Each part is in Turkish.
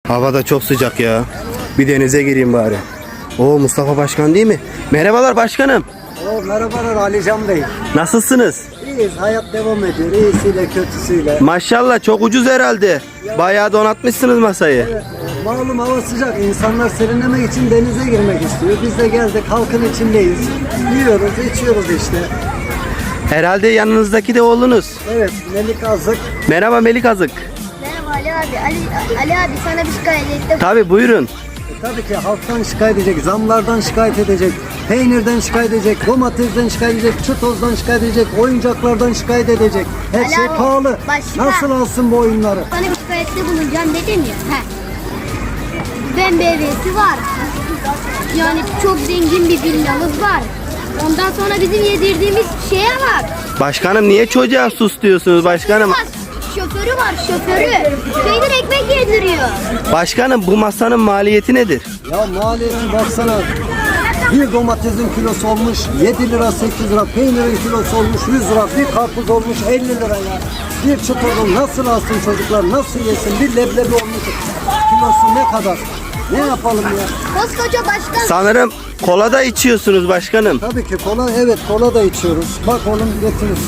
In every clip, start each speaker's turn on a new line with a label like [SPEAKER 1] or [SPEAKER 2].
[SPEAKER 1] Hava da çok sıcak ya. Bir denize gireyim bari. Oo, Mustafa Başkan değil mi? Merhabalar başkanım.
[SPEAKER 2] Merhabalar Alican Bey.
[SPEAKER 1] Nasılsınız?
[SPEAKER 2] İyiyiz, hayat devam ediyor. İyisiyle kötüsüyle.
[SPEAKER 1] Maşallah çok ucuz herhalde. Bayağı donatmışsınız masayı.
[SPEAKER 2] Evet, malum hava sıcak. İnsanlar serinlemek için denize girmek istiyor. Biz de geldik, halkın içindeyiz. Yiyoruz, içiyoruz işte.
[SPEAKER 1] Herhalde yanınızdaki de oğlunuz.
[SPEAKER 2] Evet, Melik Azık.
[SPEAKER 1] Merhaba Melik Azık.
[SPEAKER 3] Merhaba Ali abi. Ali abi sana bir şikayet ettim.
[SPEAKER 1] Tabi buyurun.
[SPEAKER 2] Tabii ki halktan şikayet edecek, zamlardan şikayet edecek, peynirden şikayet edecek, domatesden şikayet edecek, çutozdan şikayet edecek, oyuncaklardan şikayet edecek. Her
[SPEAKER 3] Ali
[SPEAKER 2] şey
[SPEAKER 3] abi,
[SPEAKER 2] pahalı.
[SPEAKER 3] başka-
[SPEAKER 2] Nasıl alsın bu oyunları?
[SPEAKER 3] Sana bir şikayette bulunacağım dedim ya. Ben BB'si var. Yani çok zengin bir villamız var. Ondan sonra bizim yedirdiğimiz şeye var.
[SPEAKER 1] Başkanım niye çocuğa sus diyorsunuz başkanım?
[SPEAKER 3] Şoförü var şoförü. Peynir ekmek yediriyor.
[SPEAKER 1] Başkanım bu masanın maliyeti nedir?
[SPEAKER 2] Ya maliyeti baksana. Bir domatesin kilosu olmuş 7 lira 8 lira, peynirin kilosu olmuş 100 lira, bir karpuz olmuş 50 lira ya. Bir çukurun nasıl alsın çocuklar, nasıl yesin, bir leblebi olmuş kilosu ne kadar? Ne yapalım ya?
[SPEAKER 3] Koskoca başkan.
[SPEAKER 1] Sanırım kola da içiyorsunuz başkanım.
[SPEAKER 2] Tabii ki kola, evet kola da içiyoruz. Bak oğlum getirir.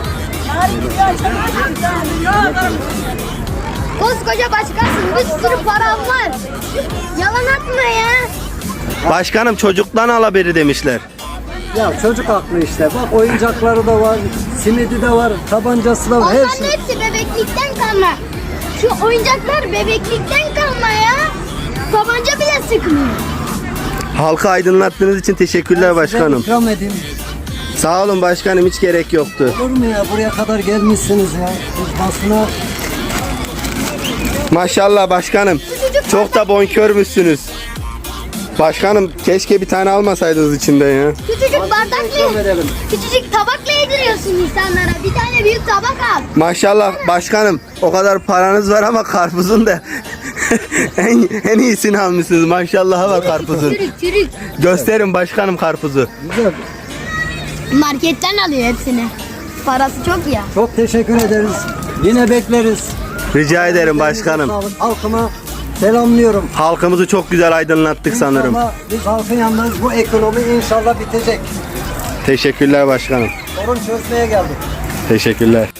[SPEAKER 3] Koskoca başkansın. Bir sürü param var. Yalan atma ya.
[SPEAKER 1] Başkanım çocuktan al haberi demişler.
[SPEAKER 2] Ya çocuk aklı işte. Bak oyuncakları da var, simidi de var, tabancası da var, her
[SPEAKER 3] Onların
[SPEAKER 2] şey.
[SPEAKER 3] hepsi bebeklikten kalma. Şu oyuncaklar bebeklikten kalma ya. Tabanca bile sıkmıyor.
[SPEAKER 1] Halkı aydınlattığınız için teşekkürler başkanım.
[SPEAKER 2] İkram edeyim.
[SPEAKER 1] Sağ olun başkanım, hiç gerek yoktu.
[SPEAKER 2] Olur mu ya? Buraya kadar gelmişsiniz ya. Biz basına
[SPEAKER 1] Maşallah başkanım. Çok da bonkörbüsünüz. Başkanım keşke bir tane almasaydınız içinden ya.
[SPEAKER 3] Küçücük
[SPEAKER 2] ikram
[SPEAKER 3] bardakla,
[SPEAKER 2] verelim.
[SPEAKER 3] küçücük tabakla yediriyorsun insanlara. Bir tane büyük tabak al.
[SPEAKER 1] Maşallah başkanım, o kadar paranız var ama karpuzun da en iyisini almışsınız. Maşallah var karpuzun.
[SPEAKER 3] Çürük.
[SPEAKER 1] Gösterin başkanım karpuzu.
[SPEAKER 2] Güzel.
[SPEAKER 3] Marketten alıyor hepsini. Parası çok ya.
[SPEAKER 2] Çok teşekkür ederiz. Yine bekleriz.
[SPEAKER 1] Rica ederim başkanım.
[SPEAKER 2] Sağlık. Halkıma selamlıyorum.
[SPEAKER 1] Halkımızı çok güzel aydınlattık sanırım.
[SPEAKER 2] İnşallah biz halkın yanındayız. Bu ekonomi inşallah bitecek.
[SPEAKER 1] Teşekkürler başkanım.
[SPEAKER 2] Sorun çözmeye geldik.
[SPEAKER 1] Teşekkürler.